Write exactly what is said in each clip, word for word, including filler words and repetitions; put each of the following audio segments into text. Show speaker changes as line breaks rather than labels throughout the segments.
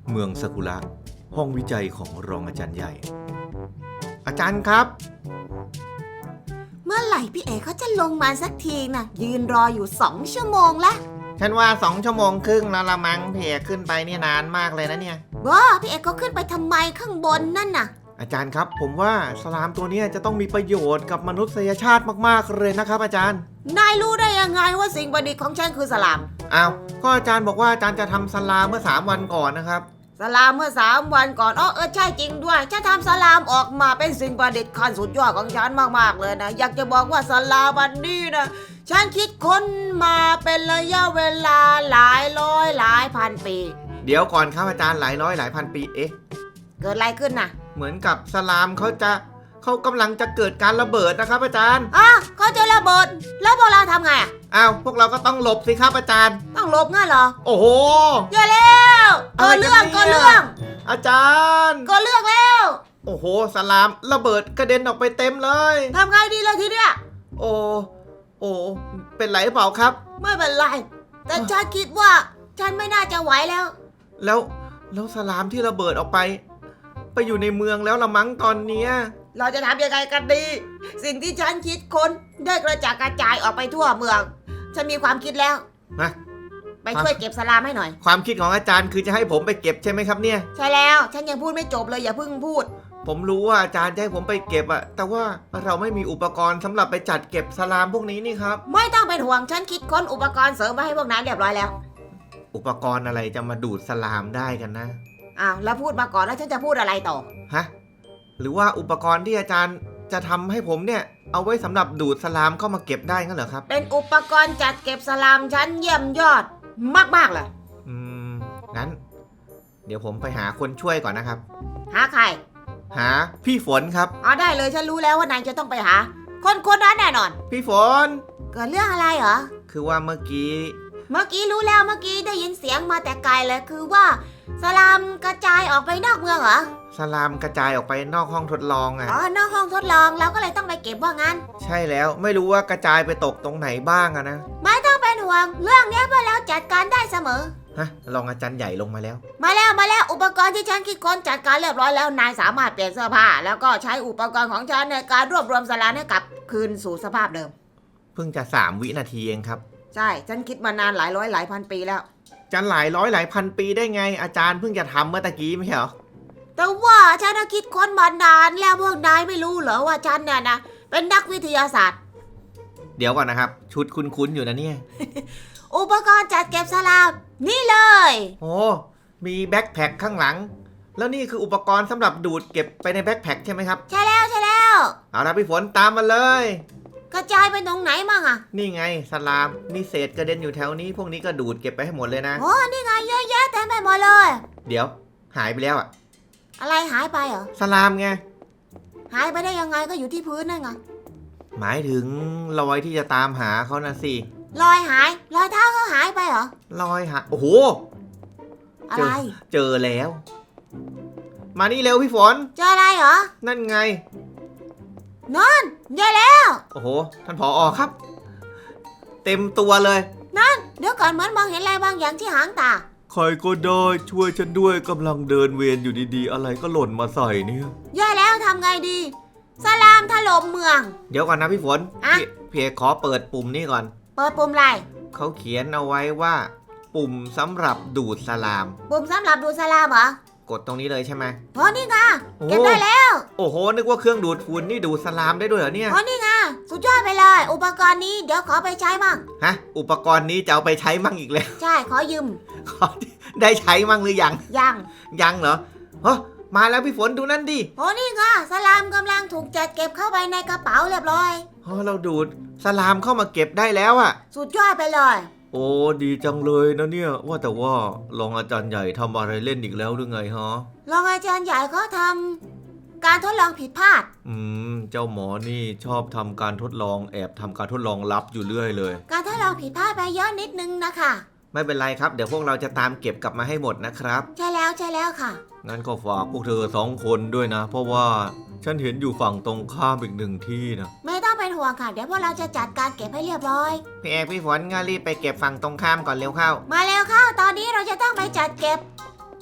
เมืองซากุระห้องวิจัยของรองอาจารย์ใหญ่อาจารย์ครับ
เมื่อไหร่พี่เอกเขาจะลงมาสักทีนะยืนรออยู่สองชั่วโมงแล้ว
ฉันว่าสองชั่วโมงครึ่งแล้วละมั้งพี่เอกขึ้นไปนี่นานมากเลยนะเนี่ย
บ้าพี่เอกก็ขึ้นไปทำไมข้างบนนั่นน่ะ
อาจารย์ครับผมว่าสลามตัวนี้จะต้องมีประโยชน์กับมนุษยชาติมากๆเลยนะครับอาจารย์
นายรู้ได้ยังไงว่าสิ่งประดิษฐ์ของฉันคือสลาม
อ้าวก็อาจารย์บอกว่าอาจารย์จะทำสลามเมื่อสามวันก่อนนะครับ
สลามเมื่อสามวันก่อนอ๋อเออใช่จริงด้วยฉันทำสลามออกมาเป็นสิ่งประดิษฐ์ขั้นสุดยอดของฉันมากๆเลยนะอยากจะบอกว่าสลามอันนี้นะฉันคิดค้นมาเป็นระยะเวลาหลายร้อยหลายพันปี
เดี๋ยวก่อนครับอาจารย์หลายร้อยหลายพันปีเอ๊ะ
เกิดอะไรขึ้นน่ะ
เหมือนกับสลามเขาจะเขากำลังจะเกิดการระเบิดนะครับอาจารย์
อ่ะเขาจะระเบิดแล้วพวกเราทำไงอ่ะ
อ้าวพวกเราก็ต้องหลบสิครับอาจารย์
ต้องหลบงั้นเหรอ
โอ้โห
เยอะแล้วก็เรื่องก็เรื่อง
อาจารย์
ก็เรื่องแล้ว
โอ้โหสลามระเบิดกระเด็นออกไปเต็มเลย
ทำไงดีเลยทีเนี้ย
โอ้โอ้เป็นไรเปล่าครับ
ไม่เป็นไรแต่ฉันคิดว่าฉันไม่น่าจะไหวแล้ว
แล้วแล้วสลามที่ระเบิดออกไปไปอยู่ในเมืองแล้วละมั้งตอนเนี้ย
เราจะทำยังไงกันดีสิ่งที่ฉันคิดค้นได้กระจายกระจายออกไปทั่วเมืองฉันมีความคิดแล้ว
นะ
ไปช่วยเก็บสลามให้หน่อย
ความคิดของอาจารย์คือจะให้ผมไปเก็บใช่ไหมครับเนี่ย
ใช่แล้วฉันยังพูดไม่จบเลยอย่าเพิ่งพูด
ผมรู้ว่าอาจารย์จะให้ผมไปเก็บอะแต่ว่าเราไม่มีอุปกรณ์สำหรับไปจัดเก็บสลามพวกนี้นี่ครับ
ไม่ต้องเป็นห่วงฉันคิดค้นอุปกรณ์เสริมมาให้พวกนั้นเรียบร้อยแล้ว
อุปกรณ์อะไรจะมาดูดสลามได้กันนะ
อ้าวแล้วพูดมาก่อนแล้วฉันจะพูดอะไรต่อ
ฮะหรือว่าอุปกรณ์ที่อาจารย์จะทำให้ผมเนี่ยเอาไว้สำหรับดูดสลามเข้ามาเก็บได้งั้นเหรอครับ
เป็นอุปกรณ์จัดเก็บสลามชั้นเยี่ยมยอดมากๆเลย
อืมงั้นเดี๋ยวผมไปหาคนช่วยก่อนนะครับ
หาใคร
หาพี่ฝนครับ
อ๋อได้เลยฉันรู้แล้วว่านายจะต้องไปหาคนคนนั้นแน่นอน
พี่ฝน
เกิดเรื่องอะไรเหรอ
คือว่าเมื่อกี้
เมื่อกี้รู้แล้วเมื่อกี้ได้ยินเสียงมาแต่ไกลเลยคือว่าสลามกระจายออกไปนอกเมืองเหรอ
สลามกระจายออกไปนอกห้องทดลองอ่ะ
อ๋อนอกห้องทดลองเราก็เลยต้องไปเก็บว่างั้น
ใช่แล้วไม่รู้ว่ากระจายไปตกตรงไหนบ้างอะนะ
ไม่ต้องเป็นห่วงเรื่องนี้พวกเราจัดการได้เสมอ
ฮะรองอาจารย์ใหญ่ลงมาแล้ว
มาแล้วมาแล้วอุปกรณ์ที่ฉันคิดค้นจัดการเรียบร้อยแล้วนายสามารถเปลี่ยนเสื้อผ้าแล้วก็ใช้อุปกรณ์ของฉันในการรวบรวมสลามให้กลับคืนสู่สภาพเดิม
เพิ่งจะสามวินาทีเองครับ
ใช่ฉันคิดมานานหลายร้อยหลายพันปีแล้ว
จะหลายร้อยหลายพันปีได้ไงอาจารย์เพิ่งจะทำเมื่อตะกี้ไม่ใช่เหรอ
แต่ว่าฉันคิดค้นมานานแล้วพวกนายไม่รู้เหรอว่าฉันเนี่ยนะเป็นนักวิทยาศาสตร์
เดี๋ยวก่อนนะครับชุดคุ้นๆอยู่นะเนี่ย
อุปกรณ์จัดเก็บสลามนี่เลย
โอ้มีแบ็คแพ็คข้างหลังแล้วนี่คืออุปกรณ์สำหรับดูดเก็บไปในแบ็คแพ็คใช่ไหมครับ
ใช่แล้วใช่แล้ว
เอาละพี่ฝนตามมาเลย
กระจายไปตรงไหนมั่งอะ
นี่ไงสลามมีเศษกระเด็นอยู่แถวนี้พวกนี้ก็ดูดเก็บไปให้หมดเลยนะ
โอ้นี่ไงเยอะแยะเต็มไปหมดเลย
เดี๋ยวหายไปแล้วอะ
อะไรหายไปเหรอ
สลามไง
หายไปได้ยังไงก็อยู่ที่พื้นนั่นไง
หมายถึงรอยที่จะตามหาเขานะสิ
รอยหายรอยเท้าเขาหายไปเหรอ
รอยหายโอ้โห
อะไร
เจอแล้วมานี่เร็วพี่ฝน
เจออะไรเหรอ
นั่นไง
นั่นใหญ่แล้ว
โอ้โหท่านผอ.ครับเต็มตัวเลย
นั่นเดี๋ยวก่อนเหมือนมองเห็นอะไรบางอย่างที่หางตา
ใครก็ได้ช่วยฉันด้วยกำลังเดินเวียนอยู่ดีๆอะไรก็หล่นมาใส่เนี่ย
ใหญ่แล้วทำไงดีสลามถล่มเมือง
เดี๋ยวก่อนนะพี่ฝนพี่เพียขอเปิดปุ่มนี่ก่อน
เปิดปุ่มอะไร
เขาเขียนเอาไว้ว่าปุ่มสำหรับดูดสลาม
ปุ่มสำหรับดูดสลามเหรอก
ดตรงนี้เลยใช่ไหม
อ๋อนี่ไงเก็บได้แล้ว
โอ้โหนึกว่าเครื่องดูดฝุ่นนี่ดูดสลามได้ด้วยเหรอเนี่ย
อ๋อนี่ไงสุดยอดไปเลยอุปกรณ์นี้เดี๋ยวขอไปใช้มั่ง
ฮะอุปกรณ์นี้จะเอาไปใช้มั่งอีกแล้ว
ใช่ขอยืม
ขอได้ใช้มั่งหรือยัง
ยัง
ยังเหรอเฮ้มาแล้วพี่ฝนดูนั่นดิ
โอ้นี่ไงสลามกำลังถูกจัดเก็บเข้าไปในกระเป๋าเรียบร้อย
เฮ้เราดูดสลามเข้ามาเก็บได้แล้วอะ
สุดยอดไปเลย
โอ้ดีจังเลยนะเนี่ยว่าแต่ว่ารองอาจารย์ใหญ่ทำอะไรเล่นอีกแล้วหรือไงฮะ
รองอาจารย์ใหญ่เขาทำการทดลองผิดพลาด
อืมเจ้าหมอนี่ชอบทำการทดลองแอบทำการทดลองลับอยู่เรื่อยเลย
การทดลองผิดพลาดไปเยอะนิดนึงนะคะ
ไม่เป็นไรครับเดี๋ยวพวกเราจะตามเก็บกลับมาให้หมดนะครับ
ใช่แล้วใช่แล้วค่ะ
งั้นก็ฝากพวกเธอสองคนด้วยนะเพราะว่าฉันเห็นอยู่ฝั่งตรงข้ามอีกหนึ่งที่นะ
ไม่ต้องเป็นห่วงค่ะเดี๋ยวพวกเราจะจัดการเก็บให้เรียบร้อย
พี่เอกพี่ฝนงั้นรีบไปเก็บฝั่งตรงข้ามก่อนเร็วเข้า
มาเร็วเข้าตอนนี้เราจะต้องไปจัดเก็บ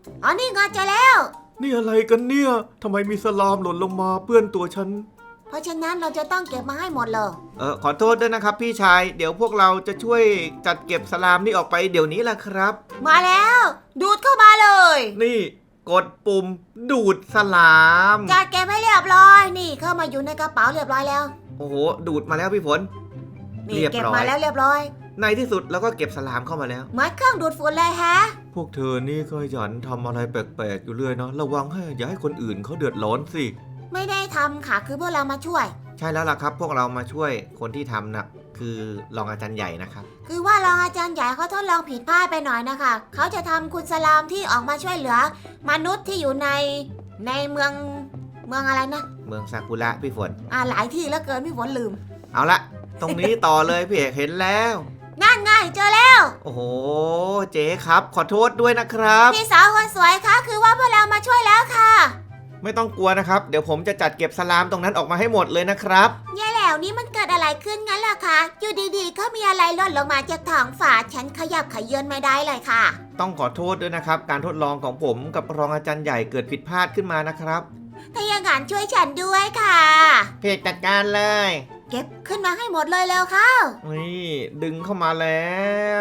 อ๋อนี่ไงเจอแล้ว
นี่อะไรกันเนี่ยทำไมมีสลามหล่นลงมาเปื้อนตัวฉัน
เพราะฉะนั้นเราจะต้องเก็บมาให้หมดเลย
เออขอโทษด้วยนะครับพี่ชายเดี๋ยวพวกเราจะช่วยจัดเก็บสลามนี่ออกไปเดี๋ยวนี้แหละครับ
มาแล้ว ดูดเข้ามาเลย
นี่กดปุ่มดูดสลาม
จัดเก็บให้เรียบร้อยนี่เข้ามาอยู่ในกระเป๋าเรียบร้อยแล้ว
โอ้โหดูดมาแล้วพี่ฝน
นี่
เรียบร้อย
เก็บมาแล้วเรียบร้อย
ในที่สุดเราก็เก็บสลามเข้ามาแล้ว
เหมือนเครื่องดูดฝุ่นเลยแฮะ
พวกเธอนี่ขยันทำอะไรแปลกๆอยู่เรื่อยเนาะระวังให้อย่าให้คนอื่นเขาเดือดร้อนสิ
ไม่ได้ทำค่ะคือพวกเรามาช่วย
ใช่แล้วล่ะครับ พวกเรามาช่วยคนที่ทำนะคือรองอาจารย์ใหญ่นะครับ
คือว่ารองอาจารย์ใหญ่เขาทดลองผิดพลาดไปหน่อยนะคะเขาจะทำคุณสลามที่ออกมาช่วยเหลือ มนุษย์ที่อยู่ในในเมืองเมืองอะไรนะ
เมืองซากุระพี่ฝน
อ่าหลายที่แล้วเกินพี่ฝนลืม
เอาละตรงนี้ต่อเลยพี่เอกเห็นแล้ว
นั่นไงเจอแล้ว
โอ้โหเจ๊ครับขอโทษด้วยนะครับ
พี่สาวคนสวยคะคือว่าพวกเรามาช่วยแล้วค่ะ
ไม่ต้องกลัวนะครับเดี๋ยวผมจะจัดเก็บสลามตรงนั้นออกมาให้หมดเลยนะครับ
แย่แล้วนี่มันเกิดอะไรขึ้นงั้นล่ะคะอยู่ดีๆก็มีอะไรหล่นลงมาจากท้องฟ้าฉันขยับขยื่นไม่ได้เลยค่ะ
ต้องขอโทษด้วยนะครับ การทดลองของผมกับรองอาจารย์ใหญ่เกิดผิดพลาดขึ้นมานะครับ
ถ้าอย่างนั้นช่วยฉันด้วยค่ะ
เพจจัดการเลย
เก็บขึ้นมาให้หมดเลยแล้วค่ะ
นี่ดึงเข้ามาแล้ว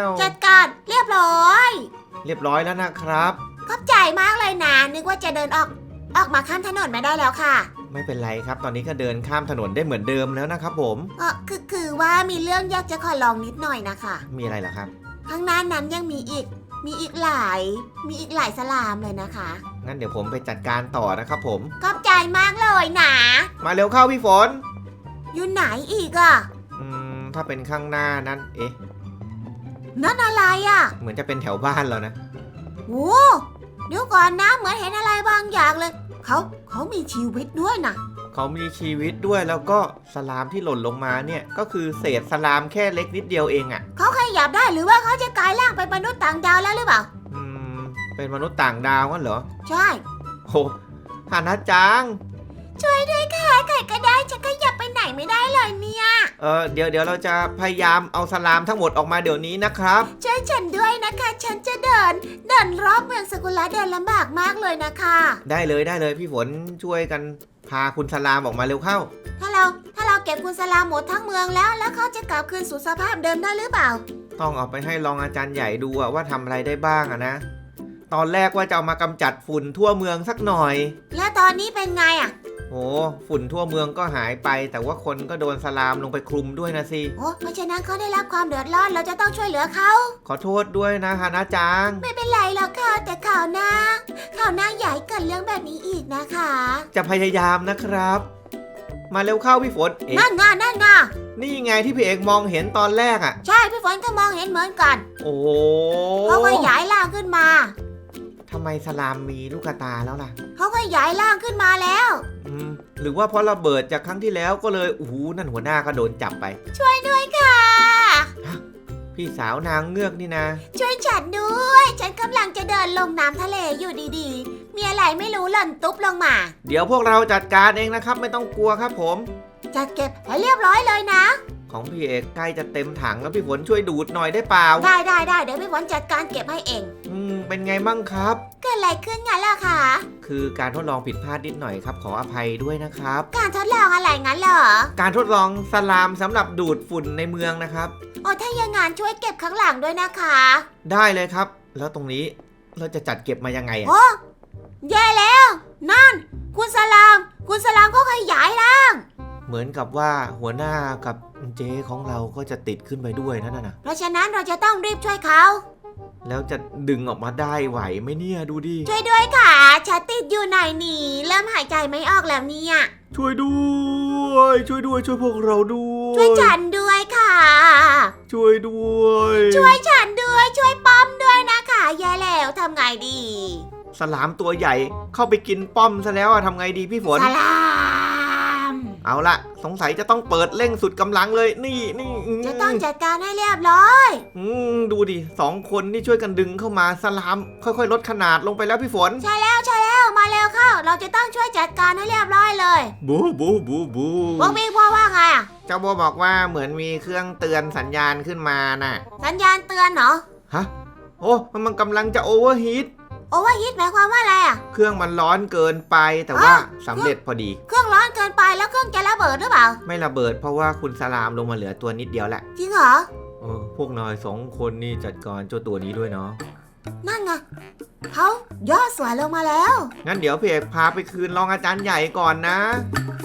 จัดการเรียบร้อย
เรียบร้อยแล้วนะครับ
ขอบใจมากเลยนะนึกว่าจะเดินออกออกมาข้ามถนนไม่ได้แล้วค่ะ
ไม่เป็นไรครับ ตอนนี้ก็เดินข้ามถนนได้เหมือนเดิมแล้วนะครับผม
เออคือคือว่ามีเรื่องอยากจะขอลองนิดหน่อยนะคะ
มีอะไรเหรอครับ
ข้างหน้านั้นยังมีอีก มีอีกหลาย มีอีกหลายสลามเลยนะคะ
งั้นเดี๋ยวผมไปจัดการต่อนะครับผม
ขอบใจมากเลยนะ
มาเร็วเข้าพี่ฝน
อยู่ไหนอีกอ่ะ
อืมถ้าเป็นข้างหน้านั้นเอ๊ะ
นั่นอะไรอ่ะ
เหมือนจะเป็นแถวบ้านเรานะ
โอ้เดี๋ยวก่อนนะเหมือนเห็นอะไรบางอย่างเลยเขาเขามีชีวิตด้วยนะ
เขามีชีวิตด้วยแล้วก็สลามที่หล่นลงมาเนี่ยก็คือเศษสลามแค่เล็กนิดเดียวเองอะ่ะ
เขาขยับได้หรือว่าเขาจะกลายร่างเป็นมนุษย์ต่างดาวแล้วหรือเปล่า
อืมเป็นมนุษย์ต่างดาวงั้นเหรอ
ใช่
โอ้ฮานะจัง
ช่วยด้วยค่ะใครก็ได้ฉันขยับไปไหนไม่ได้เลยเนี่ย
เออเดี๋ยวเดี๋ยวเราจะพยายามเอาสลามทั้งหมดออกมาเดี๋ยวนี้นะครับ
ช่วยฉันด้วยนะคะ ฉันจะเดิน เดินรอบเมืองสกุละเดินลำบากมากเลยนะคะ
ได้เลยได้เลยพี่ฝนช่วยกันพาคุณสลามออกมาเร็วเข้า
ถ้าเราถ้าเราเก็บคุณสลามหมดทั้งเมืองแล้ว แล้วเขาจะกลับคืนสู่สภาพเดิมได้หรือเปล่า
ต้องเอาไปให้รองอาจารย์ใหญ่ดูอะว่าทำอะไรได้บ้างอะนะ ตอนแรกว่าจะเอามากำจัดฝุ่นทั่วเมืองสักหน่อย
แล้วตอนนี้เป็นไงอ่ะ
โอ้ฝุ่นทั่วเมืองก็หายไป แต่ว่าคนก็โดนสลามลงไปคลุมด้วยนะสิ
โอ้เพราะฉะนั้นเขาได้รับความเดือดร้อนเราจะต้องช่วยเหลือเขา
ขอโทษด้วยนะฮานะจัง
ไม่เป็นไรหรอกค่ะแต่ข่าวหน้าข่าวหน้าใหญ่เกิดเรื่องแบบนี้อีกนะคะ
จะพยายามนะครับ มาเร็วเข้าพี่ฝนเอ๊ะ
นั่นไงนั่นไง
นี่ไงที่พี่เอกมองเห็นตอนแรกอะ
ใช่พี่ฝนก็มองเห็นเหมือนกัน
โอ้
เขาขยายร่างขึ้นมา
ทำไมสลามมีลูกตาแล้วล่ะ
เขาขยายร่างขึ้นมาแล้ว
อืมหรือว่าเพราะระเบิดจากครั้งที่แล้วก็เลยโอ้โหนั่นหัวหน้าก็โดนจับไป
ช่วยด้วยค่ะ
พี่สาวนางเงือกนี่นะ
ช่วยฉันด้วย ฉันกำลังจะเดินลงน้ำทะเลอยู่ดีๆ มีอะไรไม่รู้หล่นตุ๊บลงมา
เดี๋ยวพวกเราจัดการเองนะครับ ไม่ต้องกลัวครับผม
จัดเก็บให้เรียบร้อยเลยนะ
ของพี่เอกใกล้จะเต็มถังแล้วพี่ฝนช่วยดูดหน่อยได้เปล่า
ได้ได้ได้เดี๋ยวพี่ฝนจัดการเก็บให้เอง
อืมเป็นไงบ้างครับ
เกิดอะไรขึ้นงั้นล่ะคะ
คือการทดลองผิดพลาดนิดหน่อยครับ ขออภัยด้วยนะครับ
การทดลองอะไรงั้นเหรอ
การทดลองสลามสำหรับดูดฝุ่นในเมืองนะครับ
โอ้ถ้าอย่างงั้นช่วยเก็บข้างหลังด้วยนะคะ
ได้เลยครับ แล้วตรงนี้เราจะจัดเก็บมายังไงอะ
โอ้แย่แล้ว นั่น คุณสลาม คุณสลามเขาขยายร่าง
เหมือนกับว่าหัวหน้ากับเจ๊ของเราก็จะติดขึ้นไปด้วยนั่นน่ะ
เพราะฉะนั้นเราจะต้องรีบช่วยเขา
แล้วจะดึงออกมาได้ไหวไหมเนี่ยดูดิ
ช่วยด้วยค่ะฉันติดอยู่ในนี้เริ่มหายใจไม่ออกแล้วเนี่ย
ช่วยด้วย ช่วยด้วยช่วยพวกเราด้วย
ช่วยฉันด้วยค่ะ
ช่วยด้วย
ช่วยฉันด้วยช่วยป้อมด้วยนะคะแย่แล้วทำไงดี
สลามตัวใหญ่เข้าไปกินป้อมซะแล้วอะทำไงดีพี่ฝน
สลาม
เอาละสงสัยจะต้องเปิดเร่งสุดกำลังเลยนี่นี่ม
จะต้องจัดการให้เรียบร้อย
อืมดูดิสองคนนี่ช่วยกันดึงเข้ามาสลามค่อยๆ ลดขนาดลงไปแล้วพี่ฝน
ใช่แล้วใช่แล้วมาเร็วเข้า เราจะต้องช่วยจัดการให้เรียบร้อยเลย
บูบูบูบู
พวกพี่พ่อว่าไงอะ
เจ้าโบบอกว่าเหมือนมีเครื่องเตือนสัญญาณขึ้นมาน่ะ
สัญญาณเตือนเหรอ
ฮะโอ้มันมันกำลังจะโอเวอร์ฮีท
โอเวอร์ฮีทหมายความว่าอะไรอ่ะ
เครื่องมันร้อนเกินไปแต่ว่าสำเร็จพอดี
เครื่องร้อนเกินไปแล้วเครื่องจะระเบิดหรือเปล่า
ไม่ระเบิดเพราะว่าคุณสลามลงมาเหลือตัวนิดเดียวแหละ
จริงเหรอ
เออพวกนายสองคนนี่จัดการเจ้าตัวนี้ด้วยเนาะ
นั่นไงเขาย่อส่วนลงมาแล้ว
งั้นเดี๋ยวพี่เอกพาไปคืนรองอาจารย์ใหญ่ก่อนนะ